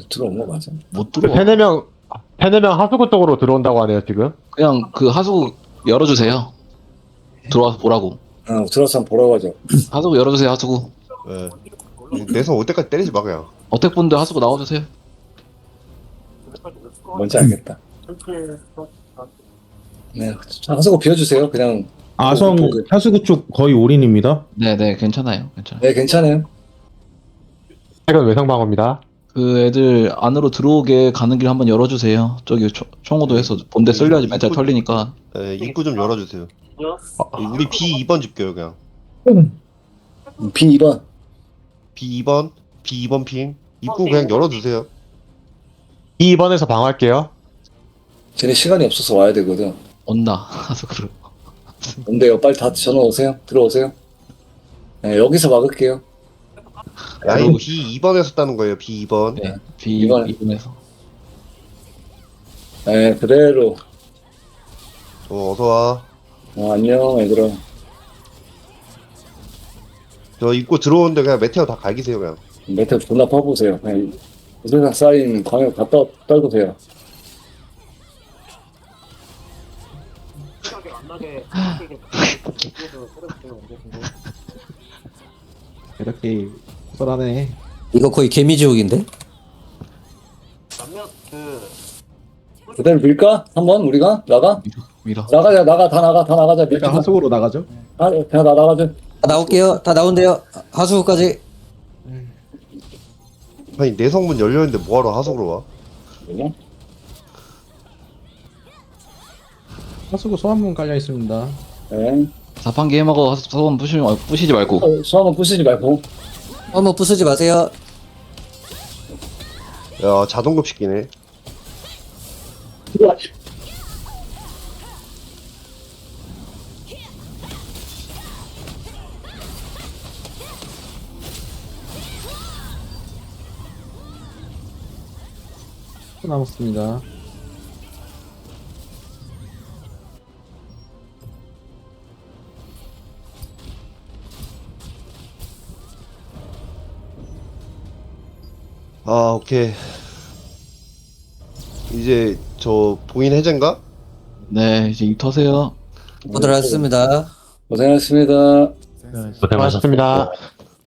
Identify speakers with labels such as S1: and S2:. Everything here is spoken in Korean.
S1: 들어온 거 맞아?
S2: 못 들어와.
S3: 세네 명 하수구 쪽으로 들어온다고 하네요, 지금.
S2: 그냥 그 하수구 열어주세요. 들어와서 보라고.
S1: 들어서 한번 보라고 하죠.
S2: 하수구 열어주세요, 하수구.
S4: 예. 내성 올 때까지 때리지 마 그냥.
S2: 어택분들 하수구 나와주세요.
S1: 뭔지 알겠다. 네, 하수구 비워주세요. 그냥.
S5: 아성 하수구 쪽 거의 올인입니다.
S2: 네네, 괜찮아요. 괜찮아요.
S1: 네, 괜찮아요.
S3: 최근 외상방어입니다.
S2: 그 애들 안으로 들어오게 가는 길 한번 열어주세요. 저기 총호도 해서 본대 쓸려야지 멘탈 털리니까.
S4: 예, 입구 좀 열어주세요. 우리 B 2번 집게요 그냥.
S1: 빈 2번.
S4: B 2번, B 2번 핑 입구 그냥 열어주세요.
S3: 2번에서 방어할게요.
S1: 쟤네 시간이 없어서 와야 되거든.
S2: 온나 하수구로.
S1: 뭔데요? 빨리 다 전화 오세요. 들어오세요. 네, 여기서 막을게요.
S4: 아니 B 2번에서 따는 거예요. B 2번.
S2: 네,
S1: 이번-
S2: B2에서.
S1: 네, 그대로.
S4: 어서 와.
S1: 안녕, 얘들아.
S4: 저 입구 들어오는데 그냥 메테오 다 갈기세요 그냥.
S1: 메테오 존나 퍼보세요. 그냥 이 세상 쌓인 광역 다 떨구세요.
S5: 이렇게 뻔하네.
S6: 이거 거의 개미지옥인데?
S1: 그대로 밀까? 한번 우리가? 나가?
S2: 밀어.
S1: 나가자, 다 나가자. 밀지
S5: 일단
S1: 마.
S5: 하수구로 나가죠.
S1: 그냥 다 나가자.
S6: 다 나올게요. 다 나온대요. 하수구까지.
S4: 아니 내성문 열려있는데 뭐하러 하수구로 와?
S1: 그냥?
S5: 하수구 소환문 깔려 있습니다.
S1: 네.
S2: 자판기 해먹어. 소원 부시지 말고.
S1: 수화만 부수지 말고.
S6: 한번 부수지 마세요.
S4: 야 자동급 시키네.
S5: 또 남았습니다.
S4: 아 오케이. 이제 저 봉인 해제인가?
S2: 네, 이제 입 터세요.
S6: 모두 알았습니다.
S1: 고생하셨습니다.
S3: 고생하셨습니다.